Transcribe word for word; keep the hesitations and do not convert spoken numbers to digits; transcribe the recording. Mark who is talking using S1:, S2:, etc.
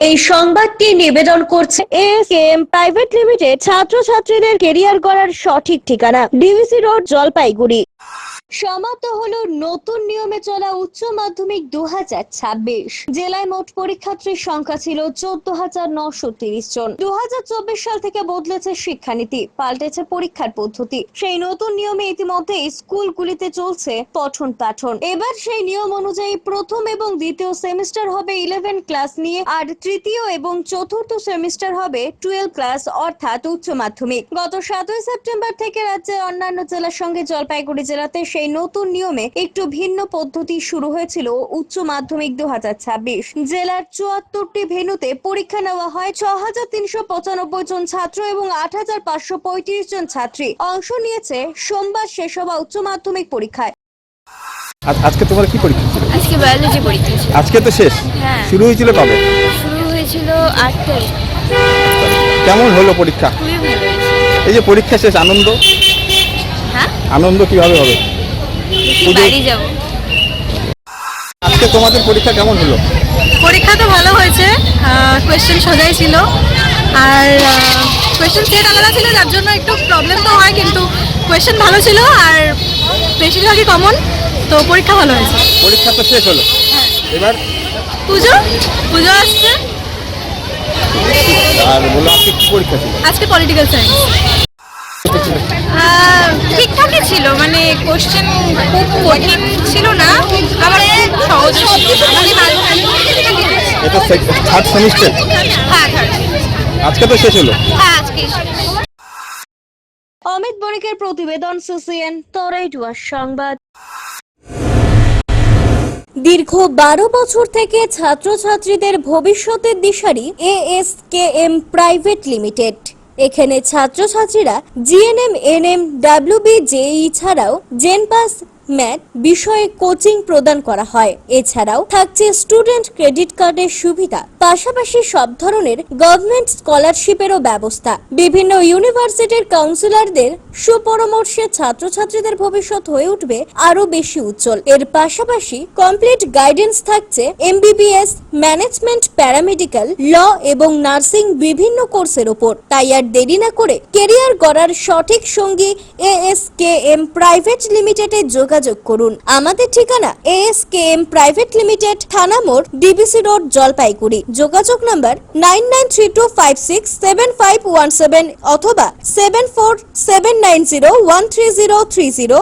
S1: এই সংবাদটি নিবেদন করছে এএসকেএম প্রাইভেট লিমিটেড, ছাত্রছাত্রীদের কেরিয়ার গড়ার সঠিক ঠিকানা, ডিভিসি রোড, জলপাইগুড়ি। সমাপ্ত হলো নতুন নিয়মে চলা উচ্চ মাধ্যমিক দু হাজার ছাব্বিশ। জেলায় মোট পরীক্ষার্থীর সংখ্যা ছিল চোদ্দ হাজার নশো তিরিশ জন। দু হাজার চব্বিশ সাল থেকে বদলেছে শিক্ষানীতি, পাল্টেছে পরীক্ষার পদ্ধতি। সেই নতুন নিয়মে ইতিমধ্যে স্কুলগুলিতে চলছে পঠন পাঠন। এবার সেই নিয়ম অনুযায়ী প্রথম এবং দ্বিতীয় সেমিস্টার হবে ইলেভেন ক্লাস নিয়ে, আর তৃতীয় এবং চতুর্থ সেমিস্টার হবে টুয়েলভ ক্লাস অর্থাৎ উচ্চ মাধ্যমিক। গত সাতই সেপ্টেম্বর থেকে রাজ্যের অন্যান্য জেলার সঙ্গে জলপাইগুড়ি জেলাতে সেই নতুন নিয়মে একটু ভিন্ন পদ্ধতি শুরু হয়েছিল উচ্চ মাধ্যমিক দু হাজার ছাব্বিশ। জেলার চুয়াত্তরটি ভেন্যুতে পরীক্ষা নেওয়া হয়। ছ হাজার তিনশো পঁচানব্বই জন ছাত্র এবং আট হাজার পাঁচশো পঁয়ত্রিশ জন ছাত্রী অংশ নিয়েছে সোমবার শেষ হওয়া উচ্চ মাধ্যমিক পরীক্ষায়।
S2: আজকে তোমার কি পরীক্ষা ছিল?
S3: আজকে বায়োলজি পরীক্ষা ছিল।
S2: আজকে তো শেষ।
S3: হ্যাঁ।
S2: শুরু হয়েছিল কবে?
S3: শুরু হয়েছিল আট তারিখ।
S2: কেমন হলো পরীক্ষা?
S3: খুবই ভালো হয়েছে।
S2: এই যে পরীক্ষা শেষ, আনন্দ?
S3: হ্যাঁ,
S2: আনন্দ কিভাবে হবে?
S3: বাড়ি যাব।
S2: আজকে তোমাদের পরীক্ষা কেমন হলো?
S4: পরীক্ষা তো ভালো হয়েছে, কোয়েশ্চেন সোজাই ছিল, আর কোয়েশ্চেন সেট আলাদা ছিল, যার জন্য একটু প্রবলেম তো হয়, কিন্তু কোয়েশ্চেন ভালো ছিল আর বেশিরভাগই কমন, তো পরীক্ষা ভালো হয়েছে।
S2: পরীক্ষা তো শেষ হলো, এবার
S4: পুজো পুজো আসছে।
S2: আর বলো, আজকে কি পরীক্ষা ছিল?
S4: আজকে পলিটিক্যাল সায়েন্স। ঠিকঠাকই ছিল, মানে কোশ্চেন খুব কঠিন ছিল না, আবার সহজ ছিল।
S2: এটা থার্ড সেমিস্টার?
S4: হ্যাঁ, থার্ড।
S2: আজকে তো শেষ হলো।
S4: হ্যাঁ, আজকে শেষ।
S1: অমিত বণিকের প্রতিবেদন, সিসিএন তরাইডুয়ার সংবাদ। দীর্ঘ বারো বছর থেকে ছাত্রছাত্রীদের ভবিষ্যতের দিশারি এএসকেএম প্রাইভেট লিমিটেড। এখানে ছাত্রছাত্রীরা জিএনএম, এনএম, ডাব্লিউবি, জেই ছাড়াও জেনপাস, ম্যাথ বিষয়ে কোচিং প্রদান করা হয়। এছাড়াও থাকছে স্টুডেন্ট ক্রেডিট কার্ডের সুবিধা, পাশাপাশি সব ধরনের গভর্নমেন্ট স্কলারশিপেরও ব্যবস্থা। বিভিন্ন ইউনিভার্সিটির কাউন্সিলরদের সুপরামর্শে ছাত্রছাত্রীদের ভবিষ্যৎ হয়ে উঠবে আরো বেশি উজ্জ্বল। এর পাশাপাশি কমপ্লিট গাইডেন্স থাকছে এমবিবিএস, ম্যানেজমেন্ট, প্যারামেডিক্যাল, ল এবং নার্সিং বিভিন্ন কোর্সের উপর। তাই আর দেরি না করে কেরিয়ার গড়ার সঠিক সঙ্গী এএসকেএম প্রাইভেট লিমিটেডে যোগাযোগ করুন। আমাদের ঠিকানা এএসকেএম প্রাইভেট লিমিটেড, থানা মোড়, ডিবিসি রোড, জলপাইগুড়ি। যোগাযোগ number nine nine three two five six seven five one seven অথবা seven four seven nine zero one three zero three zero.